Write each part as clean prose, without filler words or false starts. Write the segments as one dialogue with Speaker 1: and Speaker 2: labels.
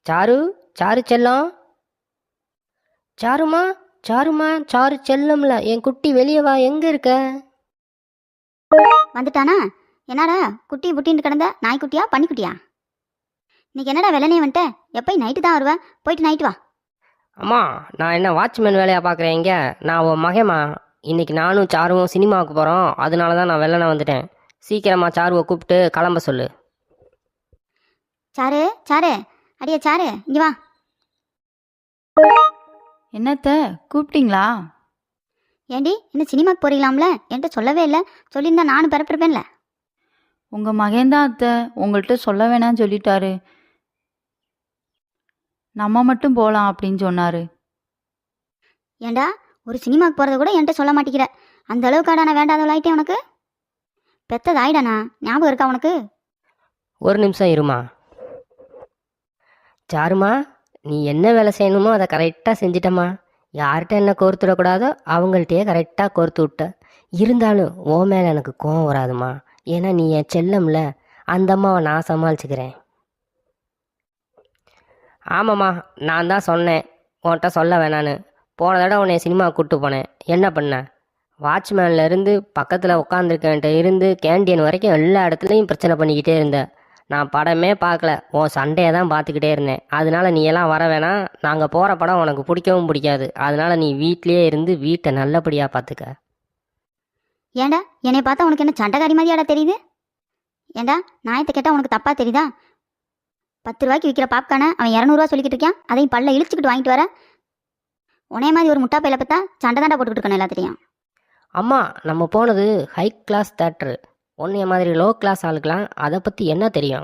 Speaker 1: Sir, sir செல்லம், சாருமா, சாருமா, sir செல்லம்ல என் குட்டி வெளியே வா, எங்க இருக்க?
Speaker 2: வந்துட்டானா? என்னடா குட்டி புட்டின்னு கிடந்த நாய்க்குட்டியா பன்னிக்குட்டியா? இன்னைக்கு என்னடா வெள்ளனே வந்துட்ட? எப்போ நைட்டு தான் வருவேன், போயிட்டு நைட்டு வா.
Speaker 1: அம்மா, நான் என்ன வாட்ச்மேன் வேலையா பார்க்குறேன் இங்க? நான் உன் மகேம்மா. இன்னைக்கு நானும் சாருவும் சினிமாவுக்கு போகிறோம், அதனால தான் நான் வெள்ளனை வந்துட்டேன். சீக்கிரமா சாருவை கூப்பிட்டு கிளம்ப சொல்லு.
Speaker 2: சாரு சாரு, அடியே சாரு, இங்கே வா.
Speaker 3: என்னத்த கூப்பிட்டீங்களா?
Speaker 2: ஏண்டி என்ன சினிமாக்கு போறீங்களாம்ல? என்கிட்ட சொல்லவே இல்லை. சொல்லியிருந்தா நானும் பிறப்பிருப்பேன்ல.
Speaker 3: உங்க மகன்தான் அத்தை, உங்கள்கிட்ட சொல்ல வேணாம்னு சொல்லிட்டாரு. நம்ம மட்டும் போகலாம் அப்படின்னு சொன்னாரு.
Speaker 2: ஏண்டா ஒரு சினிமாக்கு போகிறத கூட என்கிட்ட சொல்ல மாட்டேங்கிற? அந்த அளவுக்காடா நான் வேண்டாதவளாயிட்டேன் உனக்கு? பெத்தது ஆயிடானா? ஞாபகம் இருக்கா உனக்கு?
Speaker 1: ஒரு நிமிஷம் இருமா. சாருமா, நீ என்ன வேலை செய்யணுமோ அதை கரெக்டாக செஞ்சிட்டம்மா. யார்கிட்ட என்ன கோர்த்துடக்கூடாதோ அவங்கள்ட்டயே கரெக்டாக கோர்த்து விட்ட. இருந்தாலும் ஓ மேலே எனக்கு கோவம் வராதுமா. ஏன்னா நீ என் செல்லம்ல. அந்த அம்மாவை நான் சமாளிச்சுக்கிறேன். ஆமாம்மா, நான் தான் சொன்னேன் உன்கிட்ட சொல்ல வேணான்னு. போன தடவை உன்னை சினிமா கூப்பிட்டு போனேன், என்ன பண்ண? வாட்ச்மேன்லேருந்து பக்கத்தில் உட்காந்துருக்கன்ட்ட இருந்து கேண்டீன் வரைக்கும் எல்லா இடத்துலையும் பிரச்சனை பண்ணிக்கிட்டே இருந்த. நான் படமே பார்க்கல, உன் சண்டையை தான் பார்த்துக்கிட்டே இருந்தேன். அதனால நீ எல்லாம் வர வேணாம். நாங்கள் போகிற படம் உனக்கு பிடிக்கவும் பிடிக்காது. அதனால நீ வீட்டிலேயே இருந்து வீட்டை நல்லபடியாக பார்த்துக்க.
Speaker 2: ஏண்டா என்னை பார்த்தா உனக்கு என்ன சண்டைக்காரி மாதிரியாடா தெரியுது? ஏண்டா நாயத்தை கேட்டால் உனக்கு தப்பாக தெரியுதா? 10 ரூபாய்க்கு விற்கிற பாப்கார்னை அவன் 200 சொல்லிக்கிட்டு இருக்கான். அதையும் பல்ல இழிச்சுக்கிட்டு வாங்கிட்டு வர. உனைய மாதிரி ஒரு முட்டா பையில பார்த்தா சண்டை தாண்டா போட்டுக்கிட்டு இருக்கணும் எல்லாத்தையும்.
Speaker 1: அம்மா, நம்ம போனது ஹை கிளாஸ் தேட்டரு. உன்னைய மாதிரி லோ கிளாஸ் ஆளுக்கலாம் அதை பற்றி என்ன தெரியும்?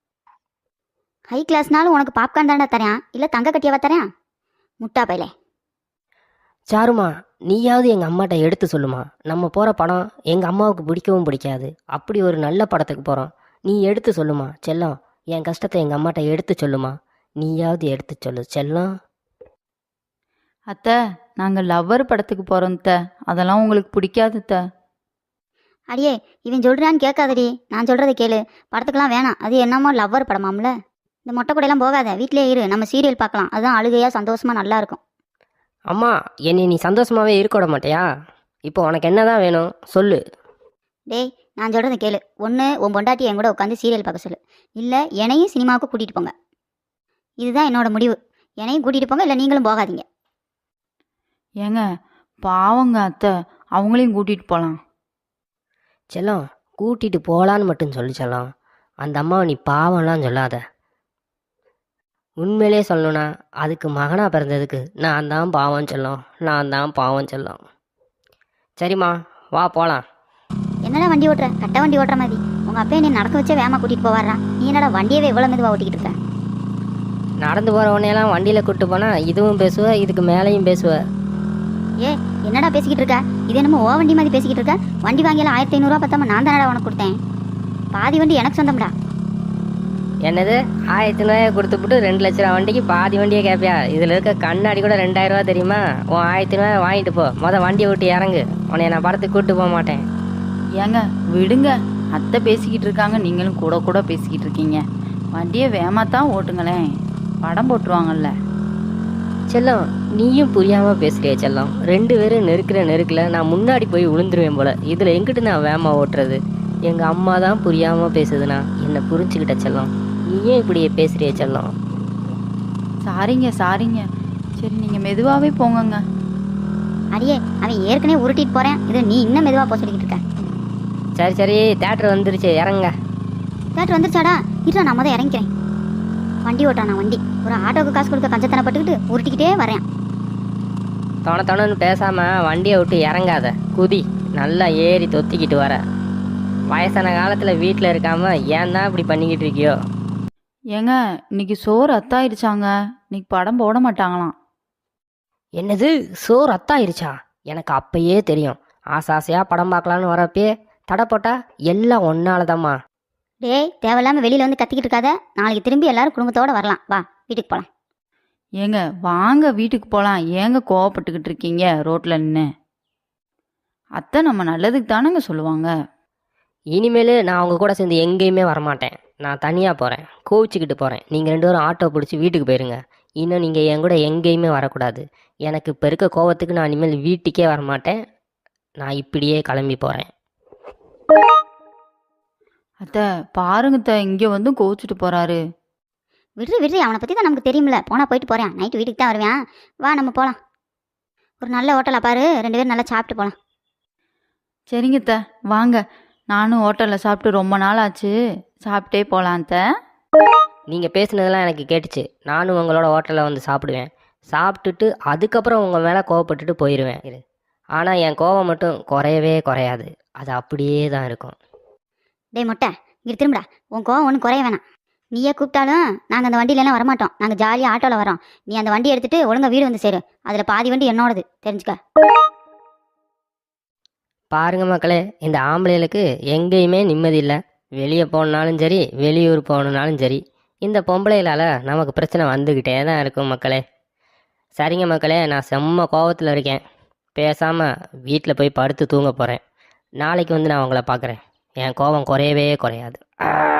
Speaker 2: ஹை கிளாஸ்னாலும் உனக்கு பாப்கார்ன் தாண்டா தரேன், இல்லை தங்க கட்டியாவா தரேன்? முட்டா பையிலே.
Speaker 1: சாருமா, நீயாவது எங்கள் அம்மாட்ட எடுத்து சொல்லுமா. நம்ம போகிற படம் எங்கள் அம்மாவுக்கு பிடிக்கவும் பிடிக்காது. அப்படி ஒரு நல்ல படத்துக்கு போகிறோம். நீ எடுத்து சொல்லுமா செல்லம். என் கஷ்டத்தை எங்கள் அம்மாட்ட எடுத்து சொல்லுமா. நீயாவது எடுத்து சொல்லு செல்லம்.
Speaker 3: அத்தை, நாங்கள் லவ்வர் படத்துக்கு போகிறோம் அத்தை. அதெல்லாம் உங்களுக்கு பிடிக்காது அத்தை.
Speaker 2: அடியே இவன் சொல்கிறான்னு கேட்காதடி, நான் சொல்கிறத கேளு. படத்துக்கெல்லாம் வேணாம், அது என்னமோ லவ்வர் படமாம்ல. இந்த மொட்டை கூடையெல்லாம் போகாத, வீட்டிலே இரு, நம்ம சீரியல் பார்க்கலாம். அதுதான் அழுகையாக சந்தோஷமாக நல்லா இருக்கும்.
Speaker 1: அம்மா, என்னை நீ சந்தோஷமாகவே இருக்க விட மாட்டியா? இப்போ உனக்கு என்ன தான் வேணும் சொல்லு.
Speaker 2: டேய் நான் சொல்கிறத கேளு. ஒன்று உன் பொண்டாட்டி என் கூட உட்காந்து சீரியல் பார்க்க சொல்லு, இல்லை என்னையும் சினிமாவுக்கு கூட்டிகிட்டு போங்க. இதுதான் என்னோட முடிவு. என்னையும் கூட்டிகிட்டு போங்க, இல்லை நீங்களும் போகாதீங்க.
Speaker 3: ஏங்க பாவங்க அத்தை, அவங்களையும் கூட்டிகிட்டு போகலாம்.
Speaker 1: செல்லம், கூட்டிகிட்டு போகலான்னு மட்டும் சொல்லி செல்லம். அந்த அம்மாவை நீ பாவம்லாம் சொல்லாத. உண்மையிலே சொல்லணும்னா அதுக்கு மகனாக பிறந்ததுக்கு நான் தான் பாவம் செல்லம், நான் தான் பாவம் செல்லம். சரிம்மா, வா போகலாம்.
Speaker 2: என்னடா வண்டி ஓட்டுற? கட்ட வண்டி ஓட்டுற மாதிரி. உங்கள் அப்பா என்னை நடக்க வச்சே வேகமாக கூட்டிகிட்டு போவாரா? நீ என்னடா வண்டியவே இவ்வளோ மெதுவாக ஓட்டிக்கிட்டு இருக்க?
Speaker 1: நடந்து போகிற உடனேலாம் வண்டியில் கூப்பிட்டு போனால் இதுவும் பேசுவ, இதுக்கு மேலேயும் பேசுவ.
Speaker 2: ஏ என்னடா பேசிக்கிட்டு இருக்க? இது என்னமோ ஓ வண்டி மாதிரி பேசிக்கிட்டு இருக்க? வண்டி வாங்கியெல்லாம் 1500 பத்தாம நான் தானடா உனக்கு கொடுத்தேன். பாதி வண்டி எனக்கு சொந்தம்டா.
Speaker 1: என்னது 1500 கொடுத்துப்புட்டு 2 லட்ச ரூபா வண்டிக்கு பாதி வண்டியை கேட்பியா? இதில் இருக்க கண்ணாடி கூட 2000 ரூபா தெரியுமா? உன் 1500 வாங்கிட்டு போ. வண்டியை விட்டு இறங்கு. உன்னை நான் படத்துக்கு கூப்பிட்டு போக மாட்டேன்.
Speaker 3: ஏங்க விடுங்க, அத்தை பேசிக்கிட்டு இருக்காங்க, நீங்களும் கூட கூட பேசிக்கிட்டு இருக்கீங்க. வண்டியை வேகமாத்தான் ஓட்டுங்களேன், படம் போட்டுருவாங்கல்ல.
Speaker 1: செல்லம், நீயும் புரியாமல் பேசுறிய செல்லம். 2 பேரும் நெருக்கில் நான் முன்னாடி போய் விழுந்துருவேன் போல. இதில் எங்கிட்டு நான் வேகமாக ஓட்டுறது? எங்கள் அம்மா தான் புரியாமல் பேசுதுண்ணா, என்னை புரிஞ்சுக்கிட்ட செல்லம். நீயே இப்படியே பேசுறிய செல்லம்.
Speaker 3: சாரிங்க சாரிங்க. சரி நீங்கள் மெதுவாகவே போங்கங்க.
Speaker 2: அடியே அவன் ஏற்கனவே உருட்டிட்டு போகிறேன், இது நீ இன்னும் மெதுவாக போக சொல்லிக்கிட்டு இருக்க.
Speaker 1: சரி சரி, தேட்டர் வந்துருச்சு, இறங்க.
Speaker 2: தேட்டர் வந்துருச்சாடா? இருடா நான் தான் இறங்கிக்கிறேன். வண்டி ஓட்டானா வண்டி? ஒரு ஆட்டோவுக்கு காசு கொடுக்க கஞ்சத்தனை பட்டுக்கிட்டு உருட்டிக்கிட்டே வரேன்.
Speaker 1: தொணன்னு பேசாமல் வண்டியை விட்டு இறங்காத, குதி. நல்லா ஏறி தொத்திக்கிட்டு வர. வயசான காலத்தில் வீட்டில் இருக்காமல் ஏன் தான் இப்படி பண்ணிக்கிட்டு இருக்கியோ?
Speaker 3: ஏங்க இன்னைக்கு சோறு அத்தாயிடுச்சாங்க, இன்னைக்கு படம் போட மாட்டாங்களாம்.
Speaker 1: என்னது, சோறு அத்தாயிருச்சா? எனக்கு அப்பயே தெரியும். ஆசாசையாக படம் பார்க்கலான்னு வரப்பே தடை போட்டா எல்லாம் ஒன்னாலதாம்மா.
Speaker 2: டேய் தேவையில்லாமல் வெளியில் வந்து கத்திக்கிட்டு இருக்காத. நாளைக்கு திரும்பி எல்லாரும் குடும்பத்தோடு வரலாம். வா வீட்டுக்கு போகலாம்.
Speaker 3: ஏங்க வாங்க வீட்டுக்கு போகலாம். ஏங்க கோவப்பட்டுக்கிட்டு இருக்கீங்க ரோட்டில் நின்று? அத்தை நம்ம நல்லதுக்கு தானேங்க சொல்லுவாங்க.
Speaker 1: இனிமேல் நான் அவங்க கூட சேர்ந்து எங்கேயுமே வரமாட்டேன். நான் தனியாக போகிறேன், கோவிச்சுக்கிட்டு போகிறேன். நீங்கள் 2 பேரும் ஆட்டோ பிடிச்சி வீட்டுக்கு போயிருங்க. இன்னும் நீங்கள் என் கூட எங்கேயுமே வரக்கூடாது. எனக்கு இப்போ இருக்க கோவத்துக்கு நான் இனிமேல் வீட்டுக்கே வரமாட்டேன். நான் இப்படியே கிளம்பி போகிறேன்.
Speaker 3: அத்தை பாருங்க அத்தை, இங்கே வந்து கோவிச்சுட்டு போறாரு.
Speaker 2: விடுறி விடுறி, அவனை பற்றி தான் நமக்கு தெரியுமில்ல. போனால் போயிட்டு போகிறேன், நைட்டு வீட்டுக்கு தான் வருவேன். வா நம்ம போகலாம். ஒரு நல்ல ஹோட்டலாக பாரு, 2 பேரும் நல்லா சாப்பிட்டு போகலாம்.
Speaker 3: சரிங்க அத்தை, வாங்க. நானும் ஹோட்டலில் சாப்பிட்டு ரொம்ப நாள் ஆச்சு, சாப்பிட்டே போகலாம் அத்தை.
Speaker 1: நீங்கள் பேசுனதெல்லாம் எனக்கு கேட்டுச்சு. நானும் உங்களோட ஹோட்டலில் வந்து சாப்பிடுவேன். சாப்பிட்டுட்டு அதுக்கப்புறம் உங்கள் மேலே கோவப்பட்டுட்டு போயிடுவேன். ஆனால் என் கோவம் மட்டும் குறையவே குறையாது. அது அப்படியே தான் இருக்கும்.
Speaker 2: டேய் மொட்டை, இங்கே திரும்புடா. உன் கோவம் ஒன்றும் குறைய வேணாம். நீயே கூப்பிட்டாலும் நாங்கள் அந்த வண்டியிலலாம் வரமாட்டோம். நாங்கள் ஜாலியாக ஆட்டோவில் வரோம். நீ அந்த வண்டி எடுத்துகிட்டு ஒழுங்கா வீடு வந்து சேரு. அதில் பாதி வண்டி என்னோடது, தெரிஞ்சுக்க.
Speaker 1: பாருங்க மக்களே, இந்த ஆம்பளைகளுக்கு எங்கேயுமே நிம்மதி இல்லை. வெளியே போகணுனாலும் சரி, வெளியூர் போகணுனாலும் சரி, இந்த பொம்பளைகளால் நமக்கு பிரச்சனை வந்துக்கிட்டே தான் இருக்கும் மக்களே. சரிங்க மக்களே, நான் செம்ம கோவத்தில் இருக்கேன். பேசாமல் வீட்டில் போய் படுத்து தூங்க போகிறேன். நாளைக்கு வந்து நான் உங்களை பார்க்குறேன். என் கோபம் குறையவே குறையாது.